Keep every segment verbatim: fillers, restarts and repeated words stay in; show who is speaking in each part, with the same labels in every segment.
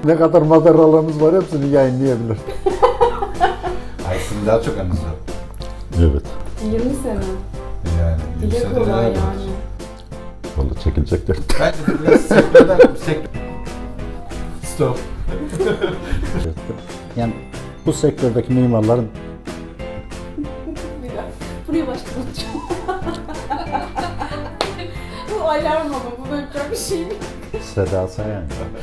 Speaker 1: Ne kadar madaralarımız var hepsini yayınlayabilir.
Speaker 2: Ay sizin daha çok anınız var.
Speaker 1: Evet.
Speaker 3: yirmi sene.
Speaker 2: Yani yirmi
Speaker 3: Dile
Speaker 2: senede
Speaker 3: kolay
Speaker 2: neler var?
Speaker 3: yani.
Speaker 1: Vallahi çekilecekler.
Speaker 2: Bence de biraz sektörden sektör. Stop.
Speaker 1: Yani bu sektördeki mimarların
Speaker 3: Bir dakika. Buraya başlayacağım. Bu alarm ama bu böyle bir şey mi?
Speaker 1: Seda Sayan.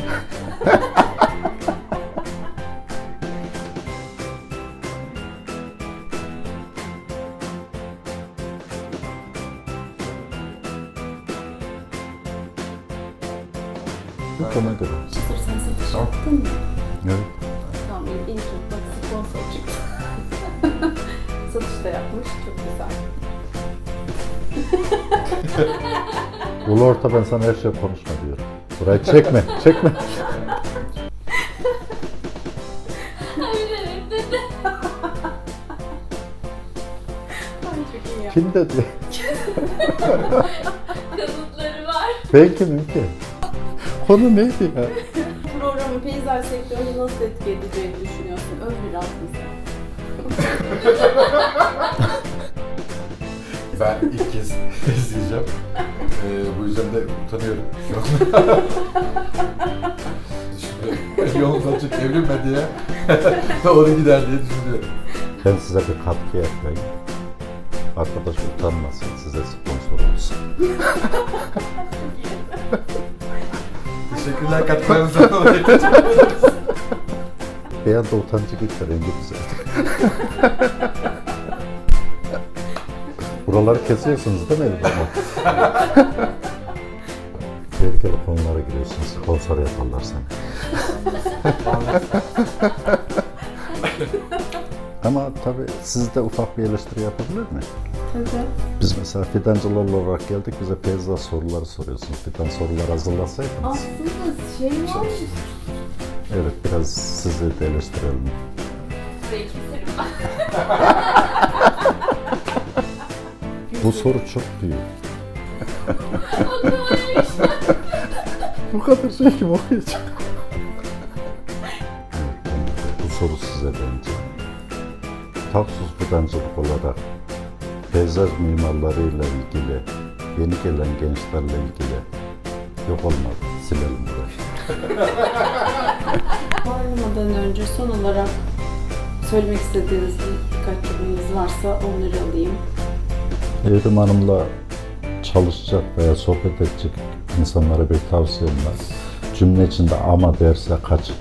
Speaker 1: Bu konu göre.
Speaker 3: Çıtır sen satış
Speaker 2: Tamam.
Speaker 3: yaptın mı?
Speaker 1: Evet.
Speaker 3: Tamam iyi iyi ki bak sponsor çıktı. Satış da yapmış çok güzel.
Speaker 1: Ulu orta ben sana her şey konuşma diyorum. Burayı çekme, çekme.
Speaker 3: Ay çok iyi ya.
Speaker 1: Kim dedi?
Speaker 4: Kanıtları var.
Speaker 1: Ben kimim ki? Konu neydi ya?
Speaker 3: Programın peyzaj sektörünü nasıl etki edeceğini düşünüyorsun? Öv biraz bize.
Speaker 2: Ben ilk kez izleyeceğim. Ee, bu yüzden de utanıyorum şu an. Şimdi yolundan çok evlenme diye doğru gider diye düşünüyorum.
Speaker 1: Ben size bir katkı yapayım. Arkadaş utanmasın, size sponsor olsun.
Speaker 2: Teşekkürler katkılarınızdan dolayı.
Speaker 1: Bir anda utancı gitti, rengi güzel. Buraları kesiyorsunuz değil mi Elif'e? Tehlikeli konulara giriyorsunuz, sponsor yaparlar seni. Ama tabii siz de ufak bir eleştiri yapabilir mi?
Speaker 3: Tabii.
Speaker 1: Biz mesela fidancılar olarak geldik, bize peyzaj soruları soruyorsunuz. Fidan soruları hazırlasaydınız.
Speaker 3: Aslında şey var.
Speaker 1: Evet, biraz sizi de eleştirelim.
Speaker 4: Burayı keserim.
Speaker 1: Bu soru çok büyük. Bu kadar şey kim okuyacak? Evet, bu soru size bence. Taksus fidancılık olarak peyzaj mimarlarıyla ilgili, yeni gelen gençlerle ilgili yok olmadı. Silelim burayı.
Speaker 3: Ayrılmadan önce son olarak söylemek istediğiniz birkaç cümleniz varsa onları alayım.
Speaker 1: Evrim Hanım'la çalışacak veya sohbet edecek insanlara bir tavsiyem var. Cümle içinde ama derse kaçın.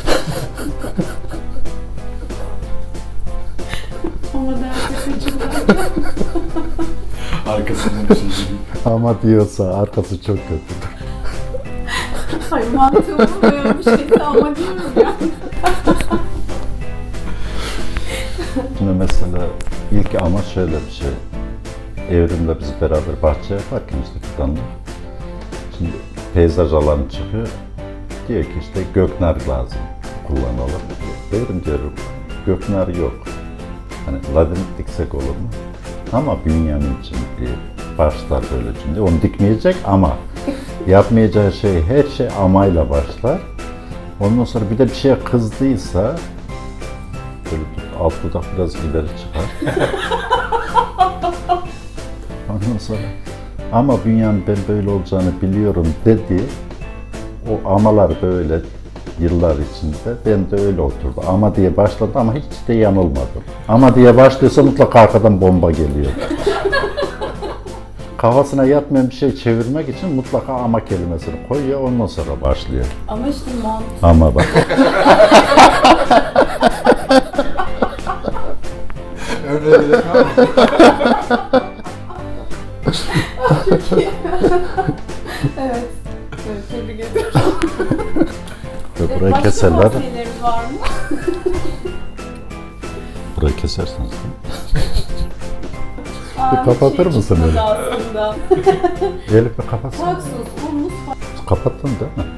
Speaker 3: Ama derse kaçırlar.
Speaker 2: Arkasından bir şey gibi.
Speaker 1: Ama diyorsa arkası çok kötüdür.
Speaker 3: Hayır mantığımı böyle bir şeyse ama diyorum ya.
Speaker 1: Şimdi mesela ilk ama şöyle bir şey. Evrim'le biz beraber bahçe yaparken işte fidanla. Şimdi peyzaj alanı çıkıyor. Diyor ki işte göknar lazım kullanalım. Evrim diyorum göknar yok. Hani ladinit diksek olur mu? Ama Bünyamin için diye başlar böyle cümle. Onu dikmeyecek ama yapmayacağı şey her şey amayla başlar. Ondan sonra bir de bir şeye kızdıysa böyle alt dudak biraz ileri çıkar. Ondan sonra ama Bünyamin ben böyle olacağını biliyorum dedi. O amalar böyle yıllar içinde ben de öyle oturdu. Ama diye başladı ama hiç de yanılmadım. Ama diye başlıyorsa mutlaka arkadan bomba geliyor. Kafasına yatmayan bir şey çevirmek için mutlaka ama kelimesini koyuyor, ondan sonra başlıyor.
Speaker 3: Ama işte mantık.
Speaker 1: Ama bak.
Speaker 2: Örneğe gerek var mı?
Speaker 3: Çok iyi. Evet. Evet, tebrik ediyorum.
Speaker 1: Ve burayı
Speaker 3: Başka
Speaker 1: keserler.
Speaker 3: tavsiyeleriniz var mı?
Speaker 1: Burayı kesersiniz değil mi?
Speaker 3: Aa,
Speaker 1: kapatır
Speaker 3: şey
Speaker 1: mısın
Speaker 3: çıkmadı
Speaker 1: öyle?
Speaker 3: aslında.
Speaker 1: Elif bir kapatsana.
Speaker 3: Taksus, humus,
Speaker 1: Kapattın değil mi?